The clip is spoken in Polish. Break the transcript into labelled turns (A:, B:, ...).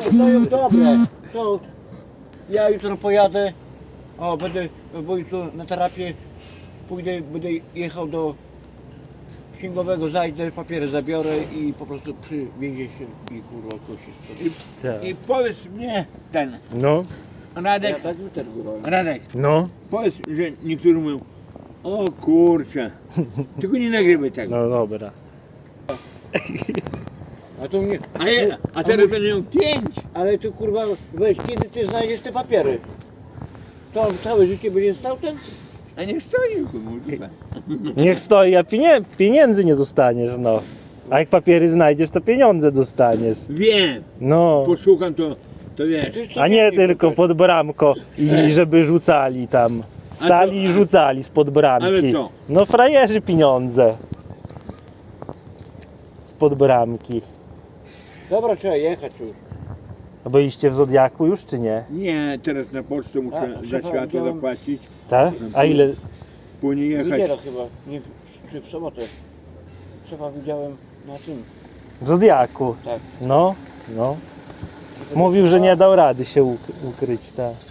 A: stoją dobre. To ja jutro pojadę, będę tu na terapię, pójdę, będę jechał do księgowego, zajdę, papiery zabiorę i po prostu przywiezie się i kurwa kości.
B: I powiedz mnie ten,
C: No,
B: Radek,
A: Ja tak też górą.
B: Radek,
C: no,
B: powiedz, że niektórzy mówią, o kurczę, tylko nie nagrywaj tego.
C: no dobra.
A: A to mnie,
B: A teraz będę miał 5.
A: ale tu kurwa, weź, kiedy ty znajdziesz te papiery? To on całe życie będzie stał ten?
B: A nie stoi, kurwa.
C: Niech stoi, a pieniędzy nie dostaniesz, no. A jak papiery znajdziesz, to pieniądze dostaniesz.
B: Wiem,
C: No,
B: posłucham to wiesz.
A: Ty co
C: a nie
A: mieli
C: tylko
A: papiery?
C: pod bramko i żeby rzucali tam. Stali i rzucali spod bramki.
B: Ale co?
C: No frajerzy pieniądze. Spod bramki.
A: Dobra, trzeba jechać już.
C: A byliście w Zodiaku już, czy nie?
B: Nie, teraz na pocztę muszę
A: A,
B: za
A: szefa
B: światło
A: widziałem.
B: zapłacić,
C: Tak? A ile?
B: później
A: W
B: jechać.
A: niedzielę chyba, nie, czy w sobotę. Szefa widziałem na tym.
C: W Zodiaku.
A: Tak.
C: No, no. Mówił, że nie dał rady się ukryć, tak.